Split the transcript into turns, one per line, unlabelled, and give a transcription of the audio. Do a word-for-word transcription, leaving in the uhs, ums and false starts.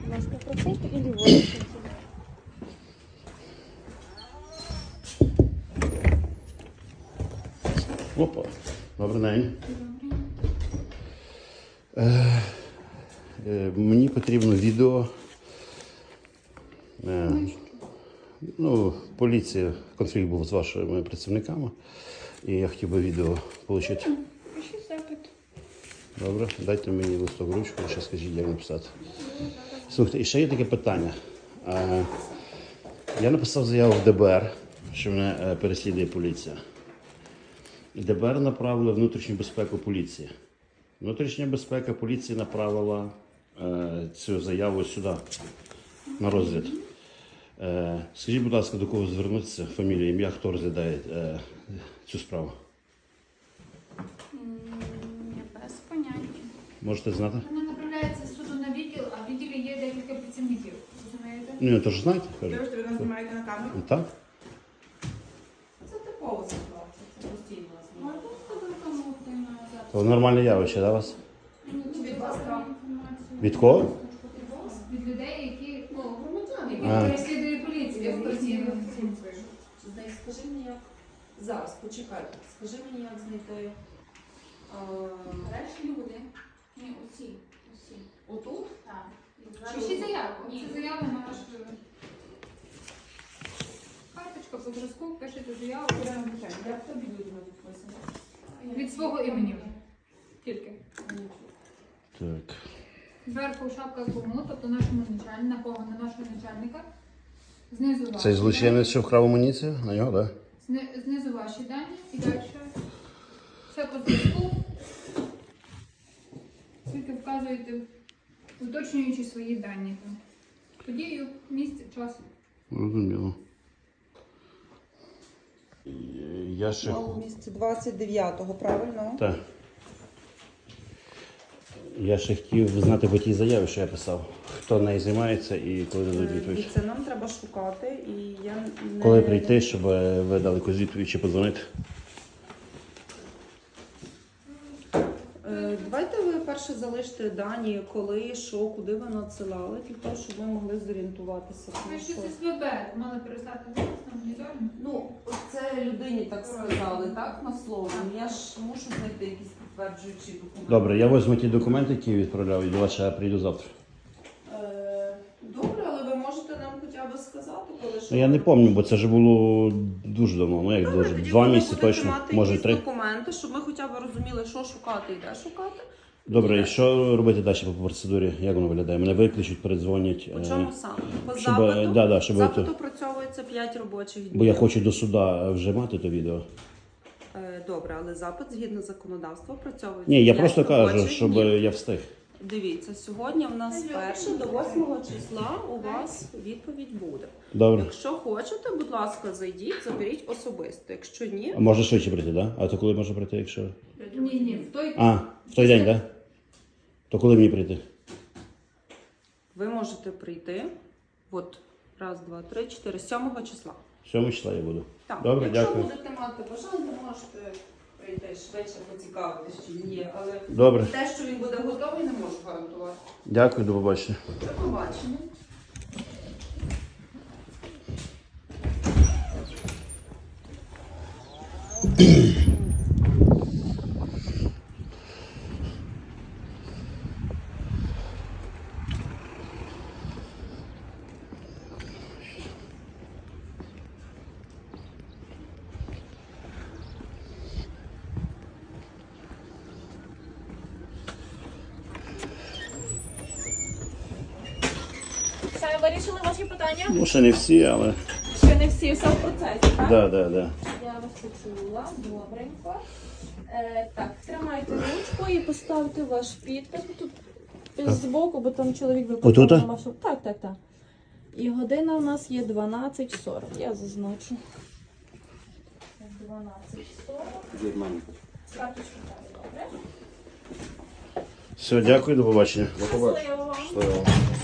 Маска процентов или восемь?
Опа, добрий день. Е, е, мені потрібно відео. Е, ну, поліція, конфлікт був з вашими працівниками. І я хотів би відео отримати.
Пиши запит.
Добре, дайте мені листок ручку, ще скажіть, як написати. Слухайте, і ще є таке питання. Е, я написав заяву в Д Б Р, що мене е, переслідує поліція. Д Б Р направили внутрішню безпеку поліції. Внутрішня безпека поліції направила е, цю заяву сюди, на розгляд. Е, скажіть, будь ласка, до кого звернутися, фамілія, ім'я, хто розглядає е, цю справу?
Я без поняття.
Можете знати?
Вона направляється з суду на відділ, а в відділі є декілька працівників. Розумієте?
Ну, я теж знаєте, кажу.
Ви нас знімаєте на камеру?
Ну, так?
Це типова ситуація, це постійно
Ну, а
знімають.
тут кому ти на запит.
То нормальне явище, да, у вас?
Від вас інформацію.
Від кого?
Від людей, які, ну, громадян, які
А.
переслідує поліція постійно.
Скажи мені, як зараз, почекай, скажи мені, як знайти
Решті люди. Ні, усі. Усі.
отут?
Так. Пишіть заяву. Це заява на ваш карточка по зразку, пишете заяву, беремо питання.
Як тобі людина підписана?
Від свого імені. Тільки.
Так.
Зверху шапка кому, тобто нашому начальнику, на кого, на нашого начальника. Знизу ваші
Цей злочинець, що вкрав амуніцію? На нього, так? Да?
Зни- Знизу ваші дані і далі. Все по зв'язку. Тільки вказуєте, уточнюючи свої дані. Там. Подію, місце, час.
Розуміло. Я ще...
У місці двадцять дев'ятого, правильно?
Так. Я ще хотів знати по тій заяві, що я писав. Хто нею займається і коли дадуть відповідь.
І це нам треба шукати, і я не...
Коли прийти, щоб ви дали якусь відповідь чи подзвонити.
Е, Давайте ви перше залиште дані, коли, що, куди ви надсилали, для того, щоб ми могли зорієнтуватися.
Ви
тому
ще
що-
з С В Б мали перестати зараз на моніторинг.
Ну, це людині так сказали, так, на слово. Я ж мушу знайти якісь підтверджуючі документи.
Добре, я візьму ті документи, які відправляв, і до вас ще прийду завтра.
Е, Добре, але ви можете нам хоча б сказати, коли що.
Ну, я не пам'ятаю, бо це вже було дуже давно. Ну як
Добре,
дуже?
тоді
Два
ви
місяці
будете
точно,
мати
може
якісь
три.
документи, щоб ми хоча б розуміли, що шукати і де шукати.
Добре, і що робити далі по процедурі? Як воно виглядає? Мене викличуть, передзвонять.
По
е,
чому саме? По
щоб,
запиту?
да, да, щоб
Запит
це-
опрацьовується п'ять робочих днів.
Бо я хочу до суда вже мати то відео.
Е, Добре, але запит згідно законодавства опрацьовується
Ні, я
п'ять
просто кажу,
робочих
щоб
днів.
я встиг.
Дивіться, сьогодні в нас перше до восьмого числа у вас відповідь буде.
Добре.
Якщо хочете, будь ласка, зайдіть, заберіть особисто. Якщо ні,
А можна швидше прийти, так? Да? А то коли можна прийти, якщо.
Ні, ні, в той
А, в той день, так? Да? То коли мені прийти?
ви можете прийти. От раз, два, три, чотири, сьомого числа.
сьомого числа я буду.
Так,
Добре,
якщо
дякую.
будете мати бажання, можете прийти швидше, поцікавитися, чи він є. Але
Добре.
те, що він буде готовий, не можу гарантувати.
Дякую, до побачення.
До побачення.
Все, вирішили ваші питання?
Ну, ще не всі, але.
Ще не всі, все в процесі, так?
Да, да, да.
Я вас почула, добренько. Е, так, тримайте ручку і поставте ваш підпис тут збоку, бо там чоловік випадково
Отута?
на вашу. Так, так, так. І година у нас є дванадцять сорок. Я зазначу. дванадцять сорок. Карточку так, добре?
Все, дякую, до побачення.
Щасливо вам.
Щасливо.